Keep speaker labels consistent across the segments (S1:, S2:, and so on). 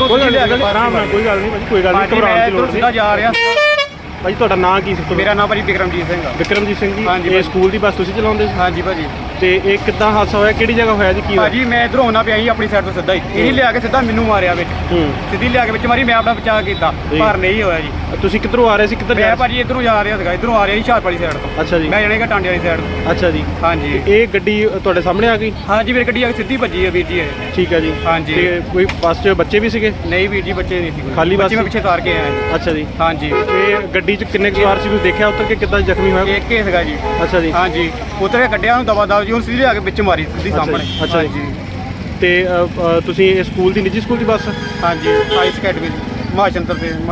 S1: ਉਧਰੋਂ
S2: ਕੋਈ ਗੱਲ ਨਹੀਂ, ਆਰਾਮ ਨਾਲ, ਕੋਈ ਗੱਲ ਨਹੀਂ ਭਾਜੀ, ਕੋਈ ਗੱਲ ਨਹੀਂ, ਘਬਰਾਉਣ ਦੀ ਲੋੜ ਨਹੀਂ।
S1: ਜਾ ਰਿਹਾ
S2: ਭਾਜੀ ਤੁਹਾਡਾ ਨਾਂ ਕੀ ਸੀ?
S1: ਮੇਰਾ ਨਾਮ ਭਾਜੀ ਵਿਕਰਮਜੀਤ ਸਿੰਘ ਆ।
S2: ਵਿਕਰਮਜੀਤ ਸਿੰਘ ਜੀ,
S1: ਹਾਂਜੀ
S2: ਇਹ ਸਕੂਲ ਦੀ ਬੱਸ ਤੁਸੀਂ ਚਲਾਉਂਦੇ ਸੀ?
S1: ਹਾਂਜੀ ਭਾਜੀ।
S2: ਤੇ ਇਹ ਕਿੱਦਾਂ ਹਾਦਸਾ ਹੋਇਆ, ਕਿਹੜੀ ਜਗ੍ਹਾ ਹੋਇਆ ਜੀ, ਕੀ ਹੋਇਆ?
S1: ਭਾਜੀ ਮੈਂ ਇਧਰੋਂ ਆਉਣਾ ਪਿਆ ਸੀ ਆਪਣੀ ਸਾਈਡ ਤੋਂ ਸਿੱਧਾ ਹੀ, ਇਹੀ ਲਿਆ ਕੇ ਸਿੱਧਾ ਮੈਨੂੰ ਮਾਰਿਆ ਵਿੱਚ, ਸਿੱਧੀ ਲਿਆ ਕੇ ਵਿੱਚ ਮਾਰੀ, ਮੈਂ ਆਪਣਾ ਬਚਾਅ ਕੀਤਾ ਪਰ ਨਹੀਂ ਹੋਇਆ ਜੀ।
S2: ਤੁਸੀਂ ਕਿੱਧਰੋਂ ਆ ਰਹੇ ਸੀ, ਕਿੱਧਰ ਜਾ ਰਹੇ?
S1: ਮੈਂ ਭਾਜੀ ਇਧਰੋਂ ਜਾ ਰਿਹਾ ਸੀਗਾ, ਇਧਰੋਂ ਆ ਰਿਹਾ ਸੀ ਹੁਸ਼ਿਆਰਪੁਰ ਵਾਲੀ ਸਾਈਡ ਤੋਂ।
S2: ਅੱਛਾ ਜੀ।
S1: ਮੈਂ ਜਾਣੇਗਾ ਟਾਂਡੇ ਵਾਲੀ ਸਾਈਡ ਤੋਂ।
S2: ਅੱਛਾ ਜੀ।
S1: ਹਾਂਜੀ।
S2: ਇਹ ਗੱਡੀ ਤੁਹਾਡੇ ਸਾਹਮਣੇ ਆ ਗਈ?
S1: ਹਾਂਜੀ ਮੇਰੀ ਗੱਡੀ ਆ ਕੇ ਸਿੱਧੀ ਭੱਜੀ ਹੈ ਵੀਰ ਜੀ ਇਹ।
S2: ਠੀਕ ਹੈ ਜੀ।
S1: ਹਾਂਜੀ।
S2: ਤੇ ਕੋਈ ਬੱਸ 'ਚ ਬੱਚੇ ਵੀ ਸੀਗੇ?
S1: ਨਹੀਂ ਵੀਰ ਜੀ ਬੱਚੇ ਨਹੀਂ ਸੀ,
S2: ਖਾਲੀ ਬੱਸ
S1: ਮੈਂ ਪਿੱਛੇ ਤਾਰ ਕੇ ਆਇਆ।
S2: ਅੱਛਾ ਜੀ।
S1: ਹਾਂਜੀ।
S2: ਇਹ ਗੱਡੀ 'ਚ ਕਿੰਨੇ ਕੁ ਸਵਾਰ ਸੀ, ਤੁਸੀਂ ਦੇਖਿਆ ਉੱਤਰ ਕੇ ਕਿੱਦਾਂ ਜ਼ਖਮੀ ਹੋਇਆ?
S1: ਇੱਕ ਹੀ ਸੀਗਾ ਜੀ।
S2: ਅੱਛਾ ਜੀ।
S1: ਹਾਂਜੀ ਉੱਤਰ ਕੇ ਕੱਢਿਆ ਉਹਨੂੰ ਦਵਾ ਦਵ ਜੀ, ਹੁਣ ਸਿੱਧੀ ਲਿਆ ਕੇ ਵਿੱਚ ਮਾਰੀ ਸਿੱਧੀ ਸਾਹਮਣੇ।
S2: ਅੱਛਾ ਜੀ। ਤੇ ਤੁਸੀਂ ਇਹ ਸਕੂਲ ਦੀ ਨਿੱਜੀ ਸਕੂਲ ਦੀ ਬੱਸ?
S1: ਹਾਂਜੀ ਆਈਸ ਅਕੈਡਮੀ ਹਿਮਾਚਲ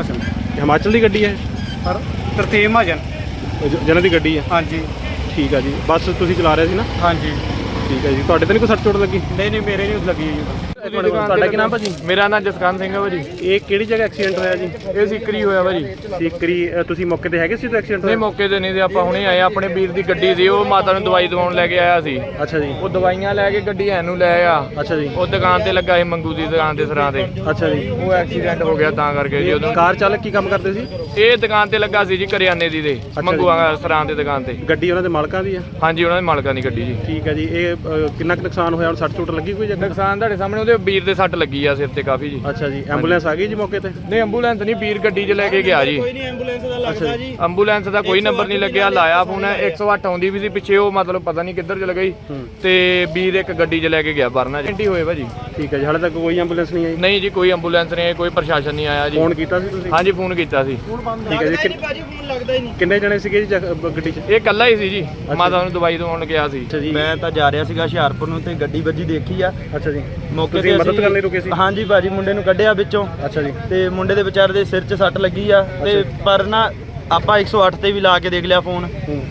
S2: ਹਿਮਾਚਲ ਦੀ ਗੱਡੀ ਹੈ?
S1: ਪਰ ਤਰਤੀਬ ਮਹਾਜਨ
S2: ਜਿਹਨਾਂ ਦੀ ਗੱਡੀ ਹੈ?
S1: ਹਾਂਜੀ।
S2: ਠੀਕ ਆ ਜੀ। ਬੱਸ ਤੁਸੀਂ ਚਲਾ ਰਹੇ ਸੀ ਨਾ?
S1: ਹਾਂਜੀ।
S2: ਠੀਕ ਹੈ ਜੀ। ਤੁਹਾਡੇ ਤੇ ਨਹੀਂ ਕੋਈ ਸੱਟ ਚੋਟ ਲੱਗੀ?
S1: ਨਹੀਂ ਮੇਰੇ ਨਹੀਂ ਲੱਗੀ ਜੀ।
S2: ਤੁਹਾਡਾ ਕੀ ਨਾਮ ਭਾਜੀ?
S3: ਮੇਰਾ ਨਾਮ ਜਸਕਾਨ ਸਿੰਘ ਹੈ ਭਾਜੀ।
S2: ਇਹ ਕਿਹੜੀ ਜਗ੍ਹਾ ਐਕਸੀਡੈਂਟ ਹੋਇਆ ਜੀ?
S3: ਇਹ ਸਿੱਕਰੀ ਹੋਇਆ ਭਾਜੀ।
S2: ਸਿੱਕਰੀ। ਤੁਸੀਂ ਮੌਕੇ ਤੇ ਹੈਗੇ ਸੀ ਜਦੋਂ ਐਕਸੀਡੈਂਟ
S3: ਨਹੀਂ
S2: ਹੋਇਆ?
S3: ਮੌਕੇ ਤੇ ਨਹੀਂ ਸੀ, ਆਪਾਂ ਹੁਣੇ ਆਏ। ਆਪਣੇ ਵੀਰ ਦੀ ਗੱਡੀ ਸੀ, ਉਹ ਮਾਤਾ ਨੂੰ ਦਵਾਈ ਦਵਾਉਣ ਲੈ ਕੇ ਆਇਆ ਸੀ।
S2: ਅੱਛਾ ਜੀ।
S3: ਉਹ ਦਵਾਈਆਂ ਲੈ ਕੇ ਗੱਡੀ ਐਨੂੰ ਲੈ ਆ।
S2: ਅੱਛਾ ਜੀ।
S3: ਉਹ ਦੁਕਾਨ ਤੇ ਲੱਗਾ ਸੀ, ਮੰਗੂ ਦੀ ਦੁਕਾਨ ਤੇ ਸਰਾਂ ਤੇ।
S2: ਅੱਛਾ ਜੀ।
S3: ਉਹ ਐਕਸੀਡੈਂਟ ਹੋ ਗਿਆ ਤਾਂ ਕਰਕੇ ਜੀ। ਉਦੋਂ
S2: ਕਾਰ ਚਾਲਕ ਕੀ ਕੰਮ ਕਰਦੇ ਸੀ?
S3: ਇਹ ਦੁਕਾਨ ਤੇ ਲੱਗਾ ਸੀ ਜੀ ਕਰਿਆਨੇ ਦੀ ਦੇ, ਮੰਗੂਆਂ ਸਰਾਂ ਦੇ ਦੁਕਾਨ ਤੇ।
S2: ਗੱਡੀ ਉਹਨਾਂ ਦੇ ਮਾਲਕਾਂ ਦੀ ਆ?
S3: ਹਾਂਜੀ ਉਹਨਾਂ ਦੇ ਮਾਲਕਾਂ ਦੀ ਗੱਡੀ ਜੀ।
S2: ਠੀਕ ਹੈ ਜੀ। ਇਹ ਕਿੰਨਾ ਕੁ ਨੁਕਸਾਨ ਹੋਇਆ, ਹੁਣ ਸੱਟ ਚੋਟ ਲੱਗੀ ਕੋਈ ਜਗ੍ਹਾ?
S3: ਨੁਕਸਾਨ ਤੁਹਾਡੇ ਸਾਹਮਣੇ, ਉਹਦੇ ਵੀਰ ਦੇ ਸੱਟ ਲੱਗੀ ਆ ਸਿਰ ਤੇ ਕਾਫੀ ਜੀ।
S2: ਅੱਛਾ ਜੀ। ਐਂਬੂਲੈਂਸ ਆ ਗਈ ਜੀ ਮੌਕੇ ਤੇ?
S3: ਨਹੀਂ ਐਂਬੂਲੈਂਸ ਨਹੀਂ, ਵੀਰ ਗੱਡੀ 'ਚ ਲੈ ਕੇ ਗਿਆ ਜੀ।
S1: ਕੋਈ ਨਹੀਂ ਐਂਬੂਲੈਂਸ ਦਾ ਲੱਗਦਾ ਜੀ।
S3: ਐਂਬੂਲੈਂਸ ਦਾ ਕੋਈ ਨੰਬਰ ਨਹੀਂ ਲੱਗਿਆ, ਲਾਇਆ ਫੋਨ 108 ਆਉਂਦੀ ਵੀ ਸੀ ਪਿੱਛੇ, ਉਹ ਮਤਲਬ ਪਤਾ ਨਹੀਂ ਕਿੱਧਰ ਚਲ ਗਈ ਤੇ ਵੀਰ ਇੱਕ ਗੱਡੀ 'ਚ ਲੈ ਕੇ ਗਿਆ ਵਰਨਾ ਜੀ ਹੋਏ ਭਾਜੀ।
S2: ਠੀਕ ਹੈ ਜੀ। ਹਾਲੇ ਤੱਕ ਕੋਈ ਐਂਬੂਲੈਂਸ ਨਹੀਂ ਆਈ?
S3: ਨਹੀਂ ਜੀ ਕੋਈ ਐਂਬੂਲੈਂਸ ਨਹੀਂ ਆਈ, ਕੋਈ ਪ੍ਰਸ਼ਾਸਨ ਨਹੀਂ ਆਇਆ ਜੀ।
S2: ਫੋਨ ਕੀਤਾ ਸੀ ਤੁਸੀਂ?
S3: ਹਾਂਜੀ ਫੋਨ ਕੀਤਾ ਸੀ।
S2: ਠੀਕ ਹੈ ਜੀ।
S1: ਫੋਨ ਲੱਗਦਾ ਹੀ ਨਹੀਂ।
S2: ਕਿੰਨੇ ਜਣੇ ਸੀਗੇ ਜੀ ਗੱਡੀ 'ਚ?
S3: ਇਹ ਇਕੱਲਾ ਹੀ ਸੀ ਜੀ, ਮਾਤਾ ਨੂੰ ਦਵਾਈ ਦਵਾਉਣ ਗਿਆ ਸੀ।
S2: ਅੱਛਾ ਜੀ।
S4: ਮੈਂ ਤਾਂ ਜਾ ਰਿਹਾ ਸੀਗਾ ਹੁਸ਼ਿਆਰਪੁਰ ਨੂੰ ਤੇ ਗੱਡੀ ਵੱਜੀ ਦੇਖੀ ਆ।
S2: ਅੱਛਾ ਜੀ।
S4: ਮੌਕੇ
S2: ਤੁਸੀਂ
S4: ਤੇ
S2: ਮਦਦ ਕਰਨ ਲਈ ਰੁਕੇ ਸੀ?
S4: ਹਾਂਜੀ ਭਾਜੀ, ਮੁੰਡੇ ਨੂੰ ਕੱਢਿਆ ਵਿੱਚੋਂ
S2: ਅੱਛਾ ਜੀ।
S4: ਤੇ ਮੁੰਡੇ ਦੇ ਵਿਚਾਰੇ ਦੇ ਸਿਰ 'ਚ ਸੱਟ ਲੱਗੀ ਆ ਤੇ ਪਰ ਨਾ ਆਪਾਂ 108 ਤੇ ਵੀ ਲਾ ਕੇ ਦੇਖ ਲਿਆ ਫੋਨ,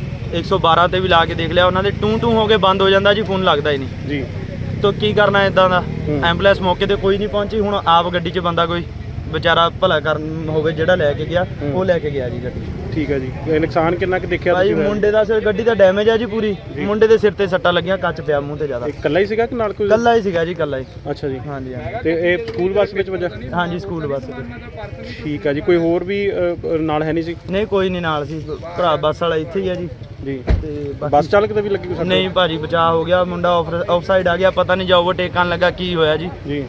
S4: 112 ਤੇ ਵੀ ਲਾ ਕੇ ਦੇਖ ਲਿਆ, ਉਹਨਾਂ ਦੇ ਟੂ ਹੋ ਕੇ ਬੰਦ ਹੋ ਜਾਂਦਾ ਜੀ, ਫੋਨ ਲੱਗਦਾ ਹੀ ਨਹੀਂ
S2: ਜੀ।
S4: ਤਾਂ ਕੀ ਕਰਨਾ ਇਦਾਂ ਦਾ। ਐਂਬੂਲੈਂਸ ਮੌਕੇ ਤੇ ਕੋਈ ਨਹੀਂ ਪਹੁੰਚੀ, ਹੁਣ ਆਪ ਗੱਡੀ 'ਚ ਬੰਦਾ ਕੋਈ ਵਿਚਾਰਾ ਭਲਾ ਕਰਨ ਹੋਵੇ ਜਿਹੜਾ ਲੈ ਕੇ ਗਿਆ, ਉਹ ਲੈ ਕੇ ਗਿਆ ਜੀ ਗੱਡੀ।
S2: ਠੀਕ ਹੈ ਜੀ। ਇਹ ਨੁਕਸਾਨ ਕਿੰਨਾ ਕੁ ਦੇਖਿਆ
S4: ਭਾਈ
S2: ਤੁਸੀਂ?
S4: ਮੁੰਡੇ ਦਾ ਸਿਰ, ਗੱਡੀ ਦਾ ਡੈਮੇਜ ਆ ਜੀ ਪੂਰੀ, ਮੁੰਡੇ ਦੇ ਸਿਰ ਤੇ ਸੱਟਾਂ ਲੱਗੀਆਂ, ਕੱਚ ਪਿਆ ਮੂੰਹ ਤੇ ਜ਼ਿਆਦਾ।
S2: ਇਕੱਲਾ ਹੀ ਸੀਗਾ ਕਿ ਨਾਲ ਕੋਈ?
S4: ਕੱਲਾ ਹੀ ਸੀਗਾ ਜੀ, ਕੱਲਾ ਹੀ।
S2: ਅੱਛਾ ਜੀ।
S4: ਹਾਂਜੀ ਹਾਂਜੀ।
S2: ਤੇ ਇਹ ਸਕੂਲ ਬੱਸ ਵਿੱਚ ਵਜਾ?
S4: ਹਾਂਜੀ ਸਕੂਲ ਬੱਸ ਤੇ।
S2: ਠੀਕ ਹੈ ਜੀ। ਕੋਈ ਹੋਰ ਵੀ ਨਾਲ ਹੈ ਨਹੀਂ ਸੀ?
S4: ਨਹੀਂ ਕੋਈ ਨਹੀਂ ਨਾਲ ਸੀ, ਭਰਾ ਬੱਸ ਵਾਲਾ ਇੱਥੇ ਹੀ ਆ ਜੀ।
S2: ਜੀ।
S4: ਤੇ
S2: ਬੱਸ ਚਾਲਕ ਤੇ ਵੀ ਲੱਗੀ ਕੋਈ ਸੱਟ?
S4: ਨਹੀਂ ਭਾਜੀ ਬਚਾਅ ਹੋ ਗਿਆ, ਮੁੰਡਾ ਆਫ ਸਾਈਡ ਆ ਗਿਆ, ਪਤਾ ਨਹੀਂ ਜਾ ਓਵਰਟੇਕ ਕਰਨ ਲੱਗਾ ਕੀ ਹੋਇਆ ਜੀ।
S2: ਜੀ।